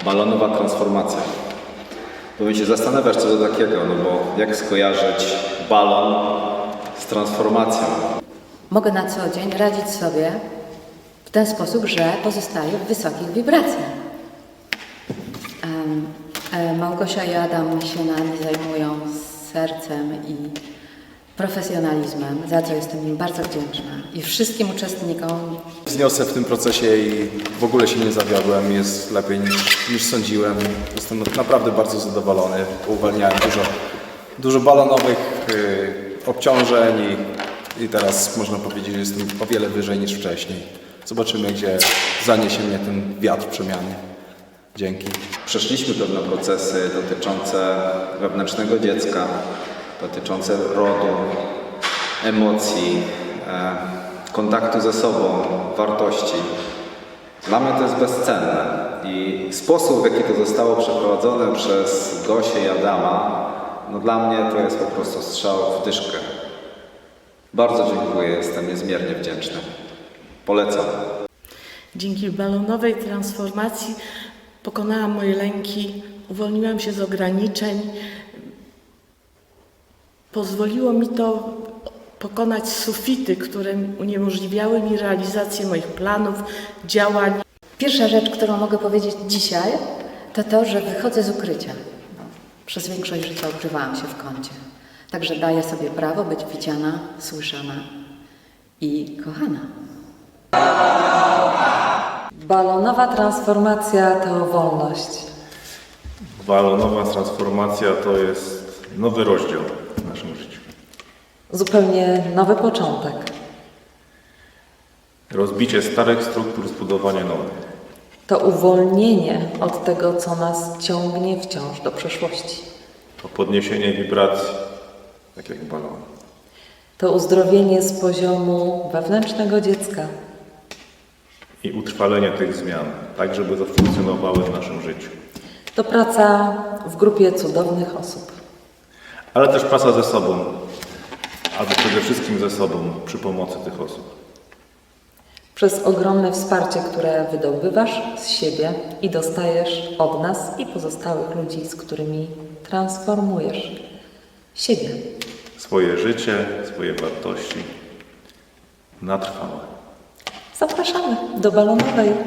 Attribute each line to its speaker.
Speaker 1: Balonowa transformacja. Powiem się zastanawiasz, co to takiego, no bo jak skojarzyć balon z transformacją?
Speaker 2: Mogę na co dzień radzić sobie w ten sposób, że pozostaję w wysokich wibracjach. Małgosia i Adam się nami zajmują z sercem i profesjonalizmem, za co jestem im bardzo wdzięczna. I wszystkim uczestnikom.
Speaker 3: Zniosę w tym procesie i w ogóle się nie zawiodłem. Jest lepiej niż sądziłem. Jestem naprawdę bardzo zadowolony. Uwalniałem dużo balonowych obciążeń i teraz można powiedzieć, że jestem o wiele wyżej niż wcześniej. Zobaczymy, gdzie zaniesie mnie ten wiatr przemiany. Dzięki.
Speaker 1: Przeszliśmy pewne procesy dotyczące wewnętrznego dziecka, dotyczące rodu, emocji, kontaktu ze sobą, wartości. Dla mnie to jest bezcenne i sposób, w jaki to zostało przeprowadzone przez Gosię i Adama, no dla mnie to jest po prostu strzał w dyszkę. Bardzo dziękuję, jestem niezmiernie wdzięczny. Polecam.
Speaker 4: Dzięki balonowej transformacji pokonałam moje lęki, uwolniłam się z ograniczeń. Pozwoliło mi to pokonać sufity, które uniemożliwiały mi realizację moich planów, działań.
Speaker 2: Pierwsza rzecz, którą mogę powiedzieć dzisiaj, to to, że wychodzę z ukrycia. Przez większość życia ukrywałam się w kącie. Także daję sobie prawo być widziana, słyszana i kochana.
Speaker 5: Balonowa transformacja to wolność.
Speaker 6: Balonowa transformacja to jest nowy rozdział w naszym życiu.
Speaker 5: Zupełnie nowy początek.
Speaker 6: Rozbicie starych struktur, zbudowanie nowych.
Speaker 5: To uwolnienie od tego, co nas ciągnie wciąż do przeszłości.
Speaker 6: To podniesienie wibracji, tak jak balon.
Speaker 5: To uzdrowienie z poziomu wewnętrznego dziecka.
Speaker 6: I utrwalenie tych zmian, tak żeby zafunkcjonowały w naszym życiu.
Speaker 5: To praca w grupie cudownych osób.
Speaker 6: Ale też praca ze sobą, albo przede wszystkim ze sobą przy pomocy tych osób.
Speaker 5: Przez ogromne wsparcie, które wydobywasz z siebie i dostajesz od nas i pozostałych ludzi, z którymi transformujesz siebie.
Speaker 6: Swoje życie, swoje wartości na trwałe.
Speaker 5: Zapraszamy do balonowej